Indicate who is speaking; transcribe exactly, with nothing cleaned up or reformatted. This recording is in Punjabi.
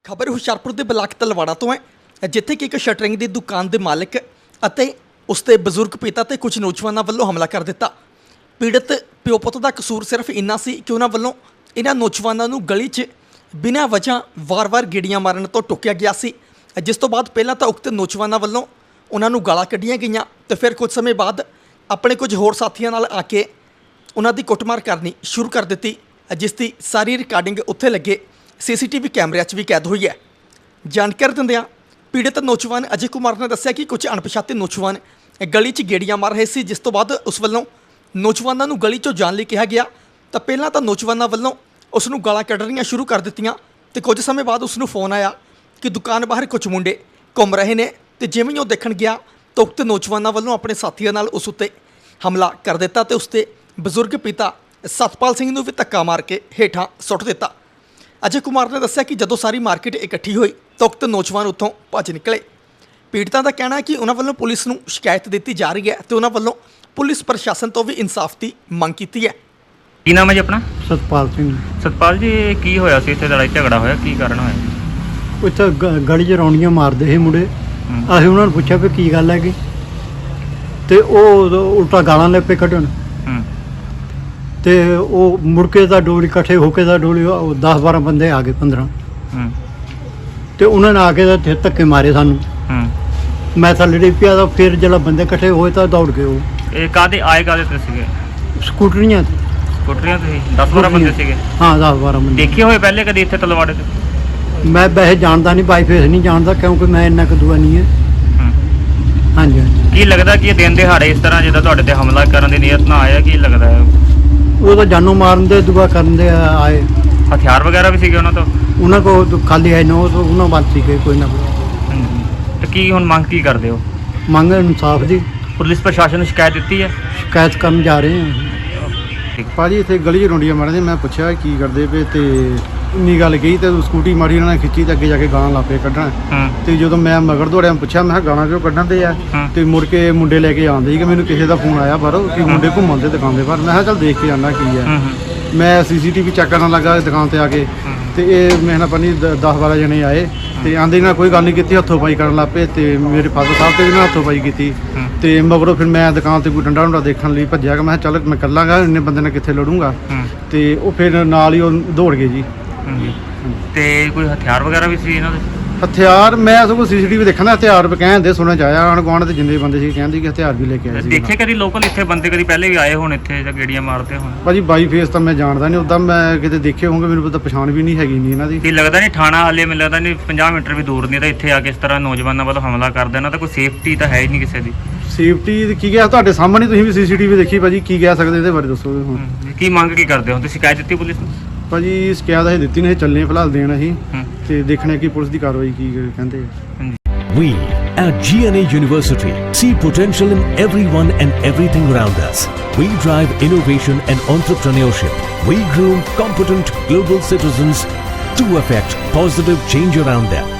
Speaker 1: ਖਬਰ ਹੁਸ਼ਿਆਰਪੁਰ ਦੇ ਬਲਾਕ ਤਲਵਾੜਾ ਤੋਂ ਹੈ, ਜਿੱਥੇ ਕਿ ਇੱਕ ਸ਼ਟਰਿੰਗ ਦੀ ਦੁਕਾਨ ਦੇ ਮਾਲਕ ਅਤੇ ਉਸਦੇ ਬਜ਼ੁਰਗ ਪਿਤਾ ਤੇ ਕੁਝ ਨੌਜਵਾਨਾਂ ਵੱਲੋਂ ਹਮਲਾ ਕਰ ਦਿੱਤਾ। ਪੀੜਤ ਪਿਓ ਪੁੱਤ ਦਾ ਕਸੂਰ ਸਿਰਫ ਇੰਨਾ ਸੀ ਕਿ ਉਹਨਾਂ ਵੱਲੋਂ ਇਹਨਾਂ ਨੌਜਵਾਨਾਂ ਨੂੰ ਗਲੀ 'ਚ ਬਿਨਾਂ ਵਜ੍ਹਾ ਵਾਰ-ਵਾਰ ਗੇੜੀਆਂ ਮਾਰਨ ਤੋਂ ਟੋਕਿਆ ਗਿਆ ਸੀ, ਜਿਸ ਤੋਂ ਬਾਅਦ ਪਹਿਲਾਂ ਤਾਂ ਉਕਤ ਨੌਜਵਾਨਾਂ ਵੱਲੋਂ ਉਹਨਾਂ ਨੂੰ ਗਾਲਾਂ ਕੱਢੀਆਂ ਗਈਆਂ ਤੇ ਫਿਰ ਕੁਝ ਸਮੇਂ ਬਾਅਦ ਆਪਣੇ ਕੁਝ ਹੋਰ ਸਾਥੀਆਂ ਨਾਲ ਆ ਕੇ ਉਹਨਾਂ ਦੀ ਕੁੱਟਮਾਰ ਕਰਨੀ ਸ਼ੁਰੂ ਕਰ ਦਿੱਤੀ, ਜਿਸ ਦੀ ਸਾਰੀ ਰਿਕਾਰਡਿੰਗ ਉੱਥੇ ਲੱਗੇ ਸੀਸੀਟੀਵੀ ਕੈਮਰਿਆਂ 'ਚ ਵੀ ਕੈਦ ਹੋਈ ਹੈ। ਜਾਣਕਾਰੀ ਦਿੰਦਿਆਂ ਪੀੜਤ ਨੌਜਵਾਨ ਅਜੇ ਕੁਮਾਰ ਨੇ ਦੱਸਿਆ ਕਿ ਕੁਝ ਅਣਪਛਾਤੇ ਨੌਜਵਾਨ ਗਲੀ 'ਚ ਗੇੜੀਆਂ ਮਾਰ ਰਹੇ ਸੀ, ਜਿਸ ਤੋਂ ਬਾਅਦ ਉਸ ਵੱਲੋਂ ਨੌਜਵਾਨਾਂ ਨੂੰ ਗਲੀ 'ਚੋਂ ਜਾਣ ਲਈ ਕਿਹਾ ਗਿਆ ਤਾਂ ਪਹਿਲਾਂ ਤਾਂ ਨੌਜਵਾਨਾਂ ਵੱਲੋਂ ਉਸ ਨੂੰ ਗਾਲਾਂ ਕੱਢਣੀਆਂ ਸ਼ੁਰੂ ਕਰ ਦਿੱਤੀਆਂ ਤੇ ਕੁਝ ਸਮੇਂ ਬਾਅਦ ਉਸ ਨੂੰ ਫੋਨ ਆਇਆ ਕਿ ਦੁਕਾਨ ਬਾਹਰ ਕੁਝ ਮੁੰਡੇ ਘੁੰਮ ਰਹੇ ਨੇ ਤੇ ਜਿਵੇਂ ਹੀ ਉਹ ਦੇਖਣ ਗਿਆ ਤਾਂ ਉਕਤ ਨੌਜਵਾਨਾਂ ਵੱਲੋਂ ਆਪਣੇ ਸਾਥੀਆਂ ਨਾਲ ਉਸ ਉੱਤੇ ਹਮਲਾ ਕਰ ਦਿੱਤਾ ਤੇ ਉਸ ਦੇ ਬਜ਼ੁਰਗ ਪਿਤਾ ਸਤਪਾਲ ਸਿੰਘ ਨੂੰ ਵੀ ਧੱਕਾ ਮਾਰ ਕੇ ਹੇਠਾਂ ਸੁੱਟ ਦਿੱਤਾ। ਅਜੇ ਕੁਮਾਰ ਨੇ ਦੱਸਿਆ ਕਿ ਜਦੋਂ ਸਾਰੀ ਮਾਰਕੀਟ ਇਕੱਠੀ ਹੋਈ ਤਾਂ ਉਕਤ ਨੌਜਵਾਨ ਉੱਥੋਂ ਭੱਜ ਨਿਕਲੇ। ਪੀੜਤਾਂ ਦਾ ਕਹਿਣਾ ਹੈ ਕਿ ਉਹਨਾਂ ਵੱਲੋਂ ਪੁਲਿਸ ਨੂੰ ਸ਼ਿਕਾਇਤ ਦਿੱਤੀ ਜਾ ਰਹੀ ਹੈ ਤੇ ਉਹਨਾਂ ਵੱਲੋਂ ਪੁਲਿਸ ਪ੍ਰਸ਼ਾਸਨ ਤੋਂ ਵੀ ਇਨਸਾਫ ਦੀ ਮੰਗ ਕੀਤੀ ਹੈ।
Speaker 2: ਕੀ ਨਾਮ ਹੈ ਜੀ ਆਪਣਾ?
Speaker 3: ਸਤਪਾਲ ਸਿੰਘ।
Speaker 2: ਸਤਪਾਲ ਜੀ, ਇਹ ਕੀ ਹੋਇਆ ਸੀ ਇੱਥੇ? ਲੜਾਈ ਝਗੜਾ ਹੋਇਆ, ਕੀ ਕਾਰਨ ਹੋਇਆ?
Speaker 3: ਉੱਥੇ ਗ- ਗਲੀ 'ਚ ਰੌਣੀਆਂ ਮਾਰਦੇ ਸੀ ਮੁੰਡੇ।
Speaker 2: ਹੂੰ।
Speaker 3: ਅਸੀਂ ਉਹਨਾਂ ਨੂੰ ਪੁੱਛਿਆ ਵੀ ਕੀ ਗੱਲ ਹੈਗੀ ਤੇ ਉਹ ਉਲਟਾ ਗਾਲਾਂ ਲੈ ਪਏ ਕੱਢਣ
Speaker 2: ਹੂੰ
Speaker 3: ਤੇ ਉਹ ਮੁੜ ਕੇ ਦਾ ਡੋਲੀ ਇਕੱਠੇ ਹੋ ਕੇ ਦਾ ਡੋਲੀ ਦਸ ਬਾਰਾਂ ਬੰਦੇ ਆ ਗਏ ਪੰਦਰਾਂ
Speaker 2: ਹੂੰ
Speaker 3: ਤੇ ਉਹਨਾਂ ਨੇ ਆ ਕੇ ਤਾਂ ਫਿਰ ਧੱਕੇ ਮਾਰੇ ਸਾਨੂੰ।
Speaker 2: ਹੂੰ
Speaker 3: ਮੈਂ ਥੱਲੇ ਡਿੱਗ ਪਿਆ ਤਾਂ ਫਿਰ ਜਦੋਂ ਬੰਦੇ ਇਕੱਠੇ ਹੋਏ ਤਾਂ ਦੌੜ ਗਏ ਉਹ
Speaker 2: ਇਹ ਕਾਹਦੇ ਆਏ ਕਾਹਦੇ ਤੇ ਸੀਗੇ?
Speaker 3: ਸਕੂਟਰੀਆਂ ਤੇ।
Speaker 2: ਸਕੂਟਰੀਆਂ ਤੇ ਸੀ? ਦਸ ਬਾਰਾਂ ਬੰਦੇ ਸੀਗੇ?
Speaker 3: ਹਾਂ ਦਸ ਬਾਰਾਂ ਬੰਦੇ।
Speaker 2: ਦੇਖੇ ਹੋਏ ਪਹਿਲੇ ਕਦੀ ਇੱਥੇ ਤਲਵਾੜੇ ਤੇ?
Speaker 3: ਮੈਂ ਵੈਸੇ ਜਾਣਦਾ ਨਹੀਂ, ਬਾਈ ਫੇਸ ਨਹੀਂ ਜਾਣਦਾ ਕਿਉਂਕਿ ਮੈਂ ਇੰਨਾ ਕੁ ਦੂਆ ਨਹੀਂ ਹੈ।
Speaker 2: ਹੂੰ
Speaker 3: ਹਾਂਜੀ ਹਾਂਜੀ।
Speaker 2: ਕੀ ਲੱਗਦਾ ਕਿ ਇਹ ਦਿਨ ਦਿਹਾੜੇ ਇਸ ਤਰ੍ਹਾਂ ਜਿੱਦਾਂ ਤੁਹਾਡੇ ਤੇ ਹਮਲਾ ਕਰਨ ਦੀ ਨੀਅਤ ਨਾ ਆਇਆ? ਕੀ ਲੱਗਦਾ ਹੈ?
Speaker 3: ਉਹ ਤਾਂ ਜਾਨੋਂ ਮਾਰਨ ਦੇ ਦੁਆ ਕਰਨ ਦੇ ਆਏ।
Speaker 2: ਹਥਿਆਰ ਵਗੈਰਾ ਵੀ ਸੀਗੇ ਉਹਨਾਂ ਤੋਂ?
Speaker 3: ਉਹਨਾਂ ਕੋਲ ਖਾਲੀ ਹੈ ਨੋ ਤੋਂ ਉਹਨਾਂ ਵੱਲ ਸੀਗੇ ਕੋਈ ਨਾ ਕੋਈ।
Speaker 2: ਹਾਂਜੀ। ਤੇ ਕੀ ਹੁਣ ਮੰਗ ਕੀ ਕਰਦੇ ਹੋ?
Speaker 3: ਮੰਗ ਇਨਸਾਫ ਦੀ।
Speaker 2: ਪੁਲਿਸ ਪ੍ਰਸ਼ਾਸਨ ਨੂੰ ਸ਼ਿਕਾਇਤ ਦਿੱਤੀ ਹੈ?
Speaker 3: ਸ਼ਿਕਾਇਤ ਕਰਨ ਜਾ ਰਹੇ ਹਾਂ।
Speaker 2: ਠੀਕ।
Speaker 4: ਭਾਜੀ ਇੱਥੇ ਗਲੀ 'ਚ ਰੌਂਡੀਆਂ ਮਾਰਦੇ, ਮੈਂ ਪੁੱਛਿਆ ਕੀ ਕਰਦੇ ਪਏ ਤੇ ਇੰਨੀ ਗੱਲ ਕਹੀ ਤੇ ਸਕੂਟੀ ਮਾਰੀ ਉਹਨਾਂ ਨੇ ਖਿੱਚੀ ਤੇ ਅੱਗੇ ਜਾ ਕੇ ਗਾਲਾਂ ਲਾ ਪਏ ਕੱਢਣ।
Speaker 2: ਹੂੰ
Speaker 4: ਤੇ ਜਦੋਂ ਮੈਂ ਮਗਰ ਦੌੜਿਆ ਪੁੱਛਿਆ ਮੈਂ ਕਿਹਾ ਗਾਲਾਂ ਕਿਉਂ ਕੱਢਣ ਦੇ ਆ
Speaker 2: ਹੂੰ।
Speaker 4: ਤੇ ਮੁੜ ਕੇ ਮੁੰਡੇ ਲੈ ਕੇ ਆਉਂਦੇ ਸੀ ਕਿ ਮੈਨੂੰ ਕਿਸੇ ਦਾ ਫੋਨ ਆਇਆ ਬਾਹਰੋਂ ਕਿ ਮੁੰਡੇ ਘੁੰਮਣ ਦੇ ਦੁਕਾਨ ਦੇ ਬਾਹਰ। ਮੈਂ ਕਿਹਾ ਚੱਲ ਦੇਖ ਕੇ ਆਉਣਾ ਕੀ
Speaker 2: ਹੂੰ
Speaker 4: ਹੈ।
Speaker 2: ਹੂੰ
Speaker 4: ਮੈਂ ਸੀਸੀਟੀਵੀ ਚੈੱਕ ਕਰਨ ਲੱਗਾ ਦੁਕਾਨ ਤੇ ਆ ਕੇ ਤੇ ਇਹ ਮੇਰੇ ਨਾਲ ਪਨੀ ਦਸ ਬਾਰਾਂ ਜਣੇ ਆਏ ਤੇ ਆਂਦੇ ਨਾਲ ਕੋਈ ਗੱਲ ਨਹੀਂ ਕੀਤੀ, ਹੱਥੋਂ ਪਾਈ ਕਰਨ ਲੱਗ ਪਏ ਤੇ ਮੇਰੇ ਫਾਦਰ ਸਾਹਿਬ ਤੇ ਵੀ ਨਾਲ ਹੱਥੋਂ ਪਾਈ ਕੀਤੀ
Speaker 2: ਹੂੰ।
Speaker 4: ਤੇ ਮਗਰੋਂ ਫਿਰ ਮੈਂ ਦੁਕਾਨ ਤੇ ਕੋਈ ਡੰਡਾ ਡੁੰਡਾ ਦੇਖਣ ਲਈ ਭੱਜਿਆ ਕਿ ਮੈਂ ਕਿਹਾ ਚੱਲ ਮੈਂ ਕੱਲਾਂਗਾ, ਇੰਨੇ ਬੰਦੇ ਨਾਲ ਕਿੱਥੇ ਲੜੂੰਗਾ।
Speaker 2: ਹੂੰ
Speaker 4: ਤੇ ਉਹ ਫਿਰ ਨਾਲ ਹੀ ਉਹ ਦੌੜ ਗਏ ਜੀ।
Speaker 2: ਹੂੰ। ਤੇ ਕੋਈ ਹਥਿਆਰ ਵਗੈਰਾ ਵੀ ਸੀ ਇਹਨਾਂ ਦੇ?
Speaker 4: ਹਥਿਆਰ ਮੈਂ ਸਗੋਂ ਸੀਸੀਟੀਵੀ ਦੇਖਣਾ, ਹਥਿਆਰ ਵੀ ਕਹਿੰਦੇ ਸੁਣਿਆ ਜਾਇਆ ਆਣ ਗੁਆਂਢ ਦੇ ਜਿੰਨੇ ਬੰਦੇ ਸੀ ਕਹਿੰਦੇ ਕਿ ਹਥਿਆਰ ਵੀ ਲੈ ਕੇ ਆਏ ਸੀ।
Speaker 2: ਦੇਖੇ ਕਦੀ ਲੋਕਲ ਇੱਥੇ ਬੰਦੇ ਕਦੀ ਪਹਿਲੇ ਵੀ ਆਏ ਹੋਣ ਇੱਥੇ ਜਾਂ ਗੇੜੀਆਂ ਮਾਰਦੇ ਹੋਣ?
Speaker 4: ਭਾਜੀ ਬਾਈ ਫੇਸ ਤਾਂ ਮੈਂ ਜਾਣਦਾ ਨਹੀਂ, ਉੱਦਾਂ ਮੈਂ ਕਿਤੇ ਦੇਖੇ ਹੋਣਗੇ, ਮੈਨੂੰ ਪਤਾ ਪਛਾਣ ਵੀ ਨਹੀਂ ਹੈਗੀ ਨਹੀਂ ਇਹਨਾਂ ਦੀ।
Speaker 2: ਕੀ ਲੱਗਦਾ ਨਹੀਂ ਥਾਣਾ ਹਾਲੇ ਮੈਨੂੰ ਲੱਗਦਾ ਨਹੀਂ ਪੰਜਾਹ ਮੀਟਰ ਵੀ ਦੂਰ ਨਹੀਂ ਤਾਂ ਇੱਥੇ ਆ ਕੇ ਇਸ ਤਰ੍ਹਾਂ ਨੌਜਵਾਨਾਂ ਵੱਲੋਂ ਹਮਲਾ ਕਰ ਦੇਣਾ ਤਾਂ ਕੋਈ ਸੇਫਟੀ ਤਾਂ ਹੈ ਹੀ ਨਹੀਂ ਕਿਸੇ ਦੀ।
Speaker 4: ਸੇਫਟੀ ਕੀ ਗਿਆ ਤੁਹਾਡੇ ਸਾਹਮਣੇ, ਤੁਸੀਂ ਵੀ ਸੀਸੀਟੀਵੀ ਦੇਖੀ ਭਾਜੀ, ਕੀ ਕਹਿ ਸਕਦੇ ਇਹਦੇ ਬਾਰੇ ਦੱਸੋ ਹੁਣ।
Speaker 2: ਹੂੰ। ਕੀ ਮੰਗ ਕੀ ਕਰਦੇ ਹੋ ਤੁਸੀਂ? ਸ਼ਿਕਾਇਤ ਦਿੱਤੀ ਪੁਲਿਸ ਨੂੰ?
Speaker 4: ਭਾਜੀ ਸ਼ਿਕਾਇਤ ਅਸੀਂ ਦਿੱਤੀ ਨਹੀਂ, ਚੱਲੇ ਫਿਲਹਾਲ ਦੇਣ ਅਸੀਂ
Speaker 2: ਹੂੰ
Speaker 4: ਤੇ ਦੇਖਣਾ ਕਿ ਪੁਲਿਸ ਦੀ ਕਾਰਵਾਈ ਕੀ ਕਹਿੰਦੇ ਆ।
Speaker 2: ਹਾਂਜੀ।
Speaker 5: We at G N A University see potential in everyone and everything around us. We drive innovation and entrepreneurship. We groom competent global citizens to affect positive change around them.